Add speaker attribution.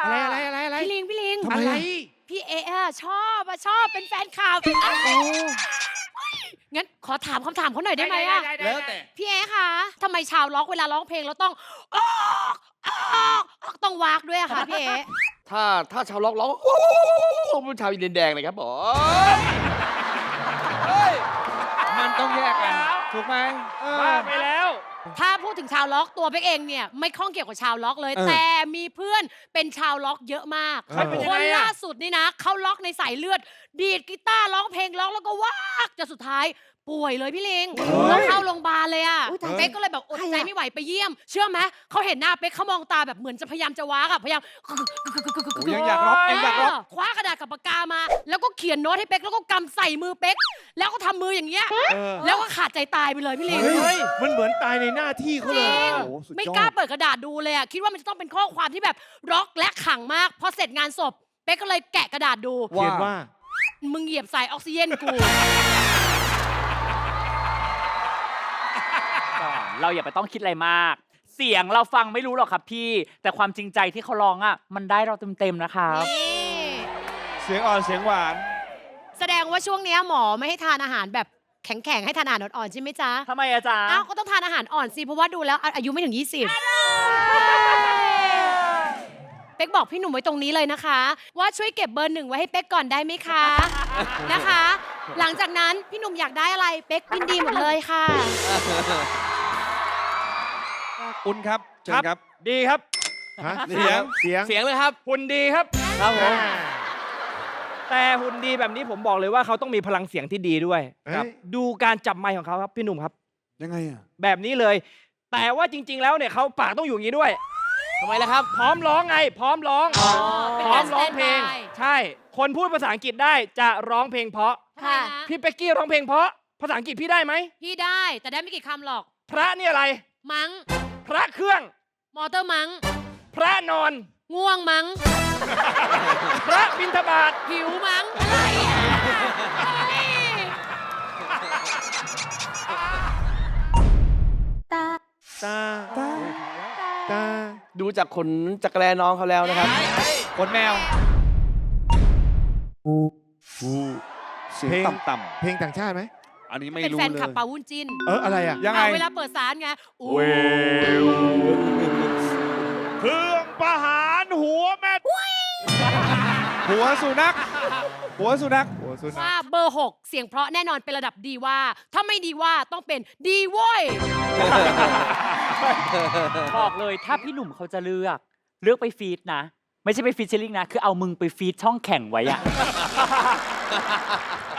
Speaker 1: อะไร
Speaker 2: พี่ลิง
Speaker 1: อะไร
Speaker 2: พี่เอะชอบเป็นแฟนคลับงั้นขอถามคำถามเขาหน่อยได้ไหมอะ
Speaker 1: แล้วแต่
Speaker 2: พี่เอะคะทำไมชาวล็อกเวลาร้องเพลงแล้วต้องออกต้องวากด้วยอะคะพี่เอะ
Speaker 3: ถ้าชาวล็อกร้องเป็นชาวอินเดียนแดงเลยครับผม
Speaker 1: มันต้องแยกกัน ถูกไหม
Speaker 4: ว่าไปแล้ว
Speaker 2: ถ้าพูดถึงชาวล็อกตัวเป๊กเองเนี่ยไม่ข้องเกี่ยวกับชาวล็อกเลย แต่มีเพื่อนเป็นชาวล็อกเยอะมาก
Speaker 4: เป็นยัง
Speaker 2: ค
Speaker 4: ไง
Speaker 2: น
Speaker 4: อะ
Speaker 2: ล่าสุดนี่นะเขาล็อกในสายเลือด ดีดกีตาร์ร้องเพลงร้องแล้วก็วากจนสุดท้ายป่วยเลยพี่ลิงต้องเข้าโรงพยาบาลเลยอะเป๊กก็เลยแบบอดใจไม่ไหวไปเยี่ยม เชื่อไหมเขาเห็นหน้าเป๊กเขามองตาแบบเหมือนจะพยายามจะวากอะพยายาม
Speaker 1: ยังอยากร็อกยังอยากร็อก
Speaker 2: คว้ากระดาษกับปากกามา แล้วก็เขียนโน้ตให้เป๊กแล้วก็กำใส่มือเป๊กแล้วก็ทำมืออย่างเงี้ยแล้วก็ขาดใจตายไปเลยพี่ลิง
Speaker 4: เฮ้ย มันเหมือนตายในหน้าที่เขา
Speaker 2: จ
Speaker 4: เล
Speaker 2: ริ
Speaker 4: ย
Speaker 2: ง
Speaker 1: โอ้โหสุดยอด
Speaker 2: ไม่กล้าเปิดกระดาษดูเลยอะคิดว่ามันจะต้องเป็นข้อความที่แบบร็อกและขลังมากพอเสร็จงานศพเป๊กก็เลยแกะกระดาษดู
Speaker 4: เขียนว่า
Speaker 2: มึงเหยียบสายออกซิเจนกู
Speaker 5: เราอย่าไปต้องคิดอะไรมาก เสียงเราฟังไม่รู้หรอกครับพี่ แต่ความจริงใจที่เขาร้องอ่ะ มันได้เราเต็มๆนะครับ
Speaker 2: นี่
Speaker 4: เสียงอ่อนเสียงหวาน
Speaker 2: แสดงว่าช่วงเนี้ยหมอไม่ให้ทานอาหารแบบแข็งๆให้ทานอาหารอ่อนๆใช่ไหมจ๊ะ
Speaker 5: ทำไมอาจารย์
Speaker 2: อ้าวก็ต้องทานอาหารอ่อนสิเพราะว่าดูแล้วอายุไม่ถึง 20เป๊กบอกพี่หนุ่มไว้ตรงนี้เลยนะคะ ว่าช่วยเก็บเบอร์1ไว้ให้เป๊กก่อนได้ไหมคะนะคะ หลังจากนั้นพี่หนุ่มอยากได้อะไรเป๊กยินดีหมดเลยค่ะ
Speaker 1: คุณครับเชิญครับ
Speaker 4: ดีครับ
Speaker 1: ฮะเสียง
Speaker 3: เสียงเลยครับ
Speaker 4: หุ่นดีครับ
Speaker 3: ครับผม
Speaker 4: แต่หุ่นดีแบบนี้ผมบอกเลยว่าเขาต้องมีพลังเสียงที่ดีด้วย
Speaker 1: ครับ
Speaker 4: ดูการจับไมค์ของเขาครับพี่หนุ่มครับ
Speaker 1: ยังไงอ่ะ
Speaker 4: แบบนี้เลย แต่ว่าจริง ๆ แล้วเนี่ยเขาปากต้องอยู่อย่างนี้ด้วย
Speaker 3: ทำไมล่ะครับ
Speaker 4: พร้อมร้องไง พร้อมร้อง
Speaker 2: เป็น
Speaker 4: พร้อ
Speaker 2: การ
Speaker 4: มร้องเพลง
Speaker 2: standby
Speaker 4: ใช่ คนพูดภาษาอังกฤษได้จะร้องเพลงเพราะ
Speaker 2: ค่ะ
Speaker 4: พี่เป็กกี้ร้องเพลงเพราะ ภาษาอังกฤษพี่ได้ไหม
Speaker 2: พี่ได้แต่ได้ไม่กี่คำหรอก
Speaker 4: พระนี่อะไร
Speaker 2: มัง้ง
Speaker 4: พระเครื่อง
Speaker 2: มอเตอร์มัง้ง
Speaker 4: พระนอน
Speaker 2: ง่วงมัง้ง
Speaker 4: พระบิณฑบาต
Speaker 2: หิวมัง้งอะไรอ่ะเฮ้ย
Speaker 4: ตา
Speaker 1: ตา
Speaker 3: ดูจากขนจักรแลน้องเขาแล้วนะครับ
Speaker 1: คนแมวเสียง
Speaker 4: เพลง
Speaker 1: ต่ำๆเพลงต่างชาติไหม อันนี้ไม่
Speaker 2: เป็น
Speaker 1: รู้
Speaker 2: แฟน
Speaker 1: เล
Speaker 2: ขับ
Speaker 1: ย
Speaker 2: ปาวุ้นจิน
Speaker 1: อะไรอ่ะ
Speaker 4: ยังไง
Speaker 2: เวลาเปิดสารไงอู้
Speaker 4: เครื่องประหารหัวแม่
Speaker 1: หัวสุนัข หัวสุนัข หัวสุนั
Speaker 2: ว่า
Speaker 1: ข
Speaker 2: เบอร์ 6 เสียงเพราะแน่นอนเป็นระดับดีว่า ถ้าไม่ดีว่าต้องเป็นดีโว้ย
Speaker 5: บอกเลยถ้าพี่หนุ่มเขาจะเลือกไปฟีดนะ ไม่ใช่ไปฟีดเชอร์ลิงนะ คือเอามึงไปฟีดช่องแข่งไว้อะ